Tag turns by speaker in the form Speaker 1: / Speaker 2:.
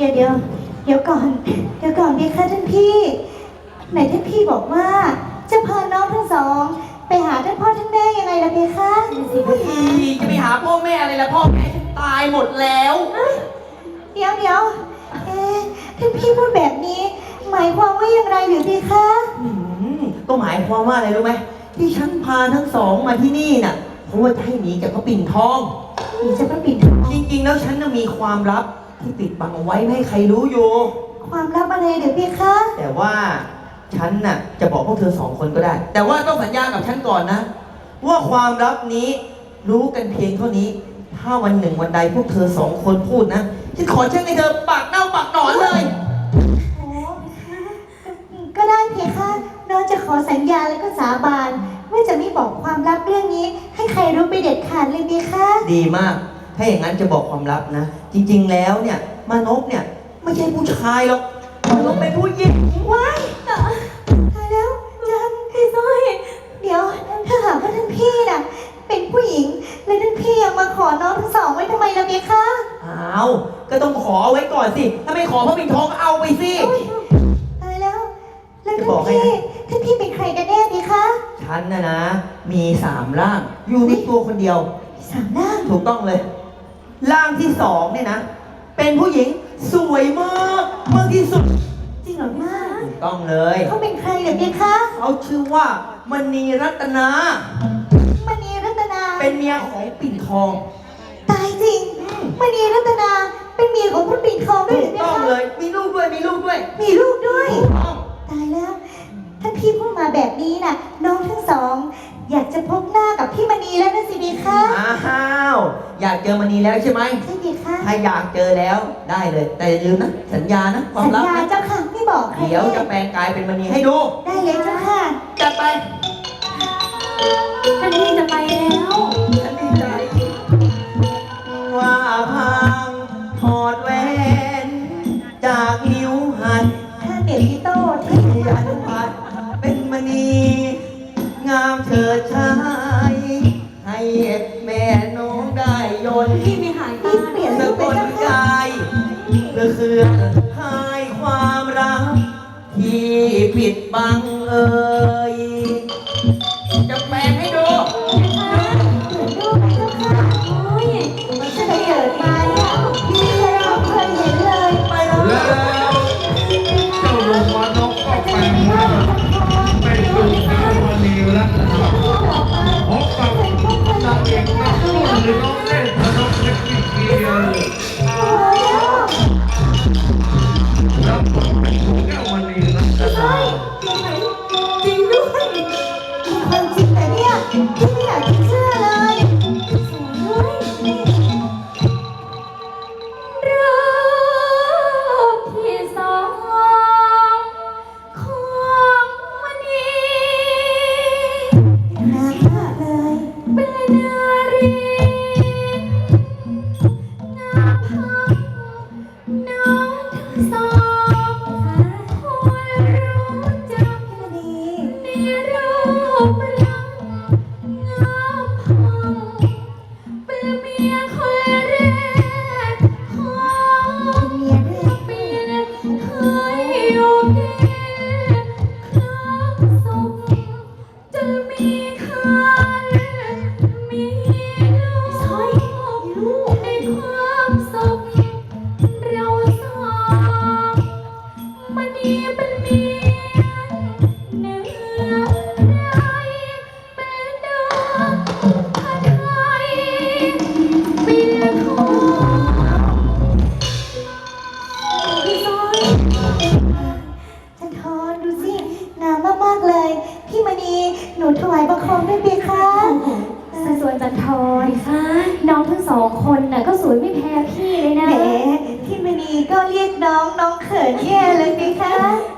Speaker 1: เดี๋ยวก่อนดีค่ะท่านพี่ไหนท่านพี่บอกว่าจะพาน้องทั้งสองไปหาท่านพ่อท่านแม่ยังไงล่ะเพคะ
Speaker 2: จะไปหาพ่อแม่อะไรล่ะพ่อแม่ฉันตายหมดแล้ว
Speaker 1: เดี๋ยวท่านพี่พูดแบบนี้หมายความว่าอย่างไรหรือเพคะ
Speaker 2: ก็หมายความว่าอะไรรู้ไหมที่ฉันพาทั้งสองมาที่นี่น่ะเพราะว่าจะให้หนีจากพระปิ่นทอง
Speaker 1: หนีจากพระปิ่นทอง
Speaker 2: จริงๆแล้วฉันน่ะมีความลับที่ปิดบังเอาไว้ไม่ให้ใครรู้อยู่
Speaker 1: ความลับอะไรหรือเพคะ
Speaker 2: แต่ว่าฉันน่ะจะบอกพวกเธอสองคนก็ได้ แต่ว่าต้องสัญญากับฉันก่อนนะว่าความลับนี้รู้กันเพียงเท่านี้ถ้าวันหนึ่งวันใดพวกเธอสองคนพูดนะฉันขอแช่งให้เธอปากเน่าปากหนอนเลย
Speaker 1: โอ้ก็ได้เพคะน้องจะขอสัญญาแล้วก็สาบานว่าจะไม่บอกความลับเรื่องนี้ให้ใครรู้ไปเด็ดขาดเลยเพคะ
Speaker 2: ดีมากถ้าอย่างนั้นจะบอกความลับนะจริงๆแล้วเนี่ยมานพเนี่ยไม่ใช่ผู้ชายหรอกมานพเป็นผู้หญิง
Speaker 1: ว้ายตายแล้วจันพี่สร้อยเดี๋ยวถ้าหากว่าท่านพี่น่ะเป็นผู้หญิงแล้วท่านพี่ยังมาขอน้องทั้งสองไว้ทำไมล่ะเพคะ
Speaker 2: อ้าวก็ต้องขอไว้ก่อนสิถ้าไม่ขอพระปิ่นทองเอาไปสิ
Speaker 1: ตายแล้วท่านพี่เป็นใครกันแน่เพคะ
Speaker 2: ฉันนะมี3ร่างอยู่ในตัวคนเดียว
Speaker 1: 3ร่าง
Speaker 2: ถูกต้องเลยร่างที่2เนี่ยนะเป็นผู้หญิงสวยมากที่สุด
Speaker 1: จริงเหรอมาก
Speaker 2: ถูกต้องเลย
Speaker 1: เขาเป็นใครเหรอเพคะ
Speaker 2: เขาชื่อว่ามณีรัตนาม
Speaker 1: ณีรัตนา
Speaker 2: เป็นเมียของปิ่นทอง
Speaker 1: ตายจริงมณีรัตนาเป็นเมียของพระปิ่นทองด้วย
Speaker 2: ถูกต้องเลยมีลูกด้วย
Speaker 1: มีลูกด้วยตายแล้วถ้าพี่พูดมาแบบนี้น่ะน้องทั้งสองอยากจะพบหน้ากับพี่มณีแล้วนะสิบีคะ
Speaker 2: อ้าวอยากเจอมณีแล้วใช่ไหม
Speaker 1: ใช่บีคะ
Speaker 2: ถ้าอยากเจอแล้วได้เลยแต่อย่าลืมนะสัญญานะความลับ
Speaker 1: สัญญาเจ้าค่ะไม่บอกใคร
Speaker 2: เดี๋ยวจะแปลงกายเป็นมณีให้ดู
Speaker 1: ได้เลยเจ้าค่ะ
Speaker 2: จัดไป
Speaker 1: ท่านพี่จะไปแล้ว
Speaker 2: ฉันดีใจว่าพังถอดแหวนจากนิ้วหัน
Speaker 1: ถ้าเด็กพี่โต้ที่
Speaker 2: อนุพัฒน์เป็นมณีงามเฉิดชายให้แม่น้องได้ยน
Speaker 1: ที่มีหายตาเปลี่ยน
Speaker 2: สะกดกายเพื่อคืนหายความรักที่ปิดบังจะแปลงให้ดู
Speaker 1: ดูไหมเจ้าค่ะโอ้ยมันจะได้เกิดมาเนี่ยพี่เราเคยเห็นเลย
Speaker 2: ไปแล้ว
Speaker 3: เจ้าลุงวานกก็แปลงร่างเป็นลุงสาวมณีรัตนาพบกับนางเอกนักสู้หรือน้องเล่นธนกเล็กที่เกียร์รับบทเป็นแก้วมณีรัตนา
Speaker 1: จริงด้วยมีความจริงแต่เนี่ยพี่ไม่อยากจะเชื่อเลยสวยด้วยรูปที่สองของมณีน่ารักเลยเป็นนารีน่าพักน้องทั้งสองควรรู้จักดีในรูปร่างงามพังเป็นเมียคนแรกของเมียเป็นเคยอยู่กินครั้งสุขจนมีคันมีลูกในความสุขเราสองมันนี้เป็นเมียเหนือใครเป็นดอกพระไทยเป็นทองพี่ซ้อยจันทรดูสิงามมากๆเลยพี่มณีหนูถวายบังคมด้วยเบียร์ค่ะ
Speaker 4: ส่วนจันทรค่ะน้องทั้งสองคนน่ะก็สวยไม่แพ้พี่เลยนะ
Speaker 1: แหมพี่มณีก็เรียกน้องเขินแย่เลยเบียร์ค่ะ